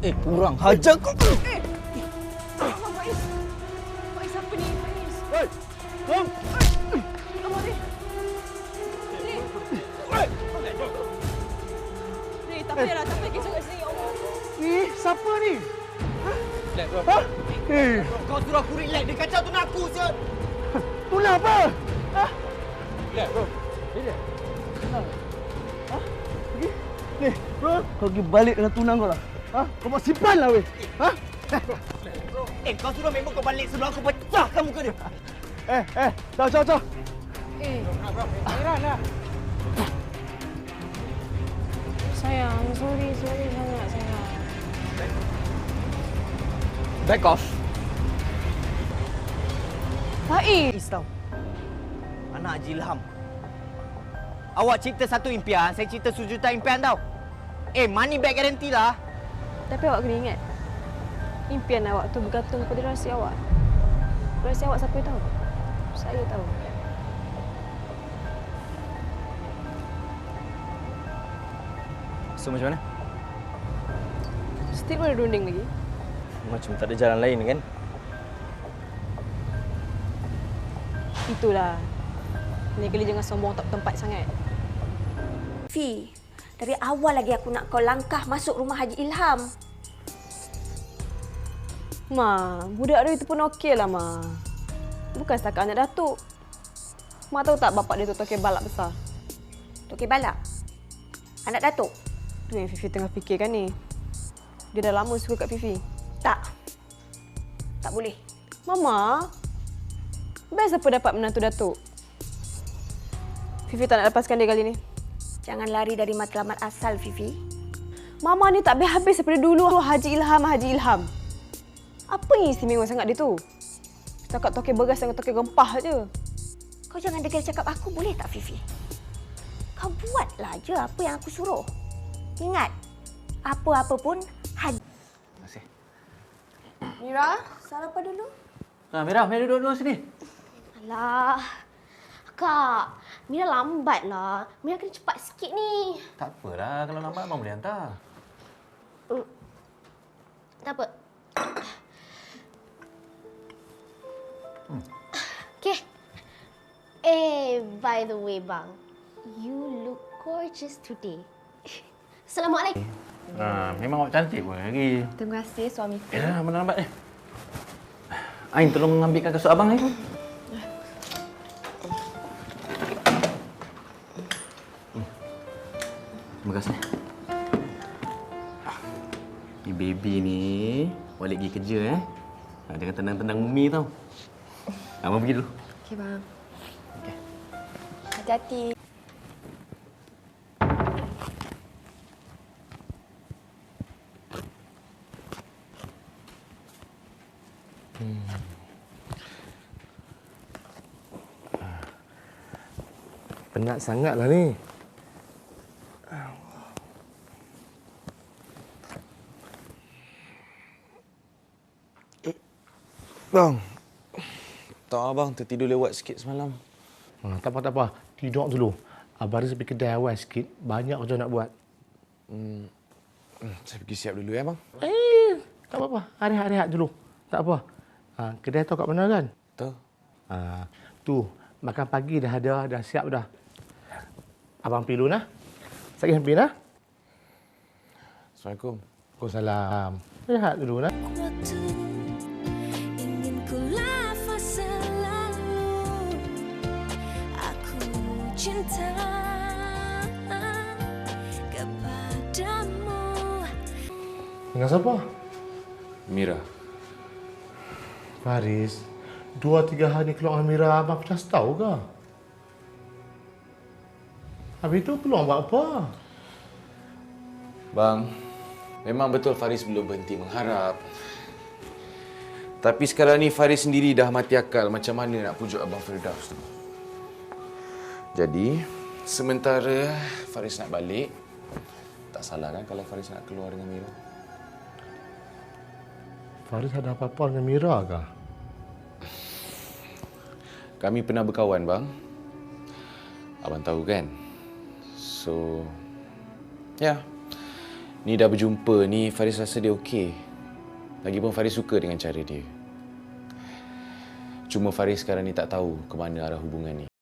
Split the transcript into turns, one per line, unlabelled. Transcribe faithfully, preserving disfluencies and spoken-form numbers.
Eh, kurang hajar kau.
Eh! Abang Faiz! Faiz apa ni, Faiz?
Hei! Kom!
Abang ni! Ni! Ni, tak payahlah, tak payah kisah kat sini, ya Allah.
Ni, siapa ni?
Relax, bro.
Ha? Eh,
Kau suruh aku relax. Dia kacau tunang aku, siot.
tunang apa? Ha?
Relax, bro.
Relax. Tunang. Ha? Pergi? Ni, bro. Kau pergi balik dengan tunang kau lah. Ha? Kau mau simpan lah, weh. Ha?
Eh, kau suruh member kau balik sebelum aku pecahkan muka dia.
Eh, eh. Caw, caw, caw.
Eh,
Heran lah.
sayang, sorry, sorry sangat, sayang.
Back off.
Faiz!
Tau. Anak Haji Ilham. Awak cipta satu impian, saya cipta sejuta impian tau. Eh, money back guarantee lah.
Tapi awak kena ingat, impian awak tu bergantung pada rahsia awak. Rahsia awak siapa yang tahu? Saya tahu.
So, macam mana?
Still boleh runding lagi?
Macam tak ada jalan lain kan?
Itulah. Ni kali jangan sombong tak tempat sangat.
Fi, dari awal lagi aku nak kau langkah masuk rumah Haji Ilham.
Ma, budak dia itu pun okey lah, Ma. Bukan setakat anak datuk. Ma tahu tak bapak dia tu tokek balak besar?
Tokek balak? Anak datuk?
Tu yang Fifi tengah fikirkan ni. Dia dah lama suka kat Fifi.
Tak. Tak boleh.
Mama, best apa dapat menantu datuk? Fifi tak nak lepaskan dia kali ni.
Jangan lari dari matlamat asal, Fifi.
Mama ni tak habis-habis daripada dulu Haji Ilham, Haji Ilham. Apa yang istimewa sangat dia tu? Setakat tokek beras dengan tokek gempah je.
Kau jangan degil cakap aku, boleh tak, Fifi? Kau buatlah je apa yang aku suruh. Ingat, apa-apa pun Haji.
Terima kasih.
Mira?
Sarapan dulu.
Ha, Mira, Mira duduk dulu sini.
Alah, Kak, Mira lambat lah. Mira kena cepat sikit ni.
Tak apalah, kalau lambat abang boleh hantar.
Hmm. Tak apa.
Hmm.
Okay. Eh, by the way, bang. You look gorgeous today. Assalamualaikum.
Ha, memang awak cantik pun lagi.
Terima kasih, suamiku.
Eh, dah, mana lambat ni? Ain, tolong ambilkan kasut abang ni. Hmm. Terima kasih. Ni baby ni balik pergi kerja eh. Ha, jangan tenang-tenang Umi tau. Abang pergi dulu.
Okey, bang.
Okey.
Hati-hati.
Penat sangatlah ni. Eh, bang.
Tak abang, tertidur lewat sikit semalam.
Ha, tak apa, tak apa. Tidur dulu. Abang Riz pergi kedai awal sikit. Banyak kerja nak buat.
Hmm. hmm, Saya pergi siap dulu ya, bang.
Eh, tak apa-apa. Rehat-rehat dulu. Tak apa. Ha, kedai tu kat mana kan?
Tahu.
Ha, tu, makan pagi dah ada, dah siap dah. Abang pergi dulu nah. Saya pergi nah.
Assalamualaikum.
Waalaikumsalam. Rehat dulu nah.
Waktu ingin ku lafaz selalu aku cinta kepadamu.
Dengan siapa?
Mira.
Faris, dua tiga hari keluar dengan Mira, abang pernah tahu ke? Habis itu keluar buat apa?
Bang, memang betul Faris belum berhenti mengharap. Tapi sekarang ni Faris sendiri dah mati akal macam mana nak pujuk Abang Firdaus tu. Jadi, sementara Faris nak balik, tak salah kan kalau Faris nak keluar dengan Mira?
Faris ada apa-apa dengan Mira ke?
Kami pernah berkawan, bang. Abang tahu kan? So, ya. Ni dah berjumpa ni, Faris rasa dia okey. Lagipun Faris suka dengan cara dia. Cuma Faris sekarang ni tak tahu ke mana arah hubungan ni.